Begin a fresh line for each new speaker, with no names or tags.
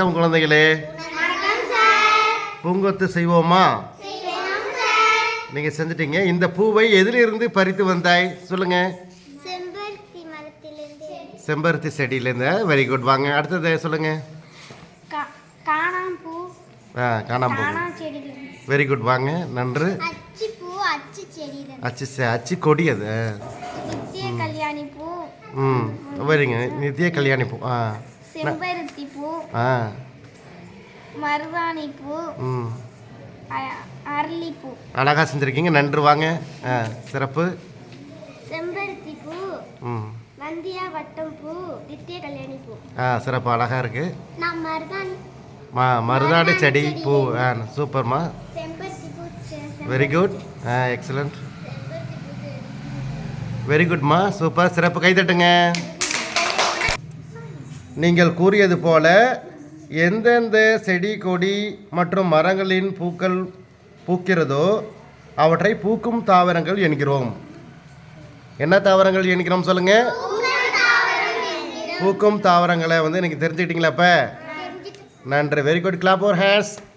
குழந்தைகளே, பூங்கொத்து செய்வோமா? நீங்கள் செஞ்சிட்டீங்க. இந்த பூவை எதிலிருந்து பறித்து வந்தாய் சொல்லுங்க. செம்பருத்தி செடியிலேருந்து. Very good. வாங்க அடுத்தது சொல்லுங்க. காணாம்பூ. Very good. வாங்க நன்று. அச்சு கொடி அது. சரிங்க. நித்திய கல்யாணி பூ.
செம்பருத்தி பூ, மருதாணி பூ, அரளிப்பூ.
அழகா செஞ்சிருக்கீங்க. நன்று. வாங்க. சிறப்பு.
செம்பருத்தி பூ, நந்தியா வட்டம் பூ, நித்திய கல்யாணி பூ.
சிறப்பு. அழகா இருக்கு.
நான் மருதாணி
மருதாணி செடி பூ. சூப்பர்மா.
செம்பருத்தி பூ.
Very good. எக்ஸலண்ட். வெரி குட்மா. சூப்பர். சிறப்பு. கைதட்டுங்க. நீங்கள் கூறியது போல எந்தெந்த செடி கொடி மற்றும் மரங்களின் பூக்கள் பூக்கிறதோ அவற்றை பூக்கும் தாவரங்கள் என்கிறோம். என்ன தாவரங்கள் என்கிறோம் சொல்லுங்க. பூக்கும் தாவரங்களை வந்து எனக்கு தெரிஞ்சுக்கிட்டீங்களா? அப்போ நன்றி. Very good. Clap your hands.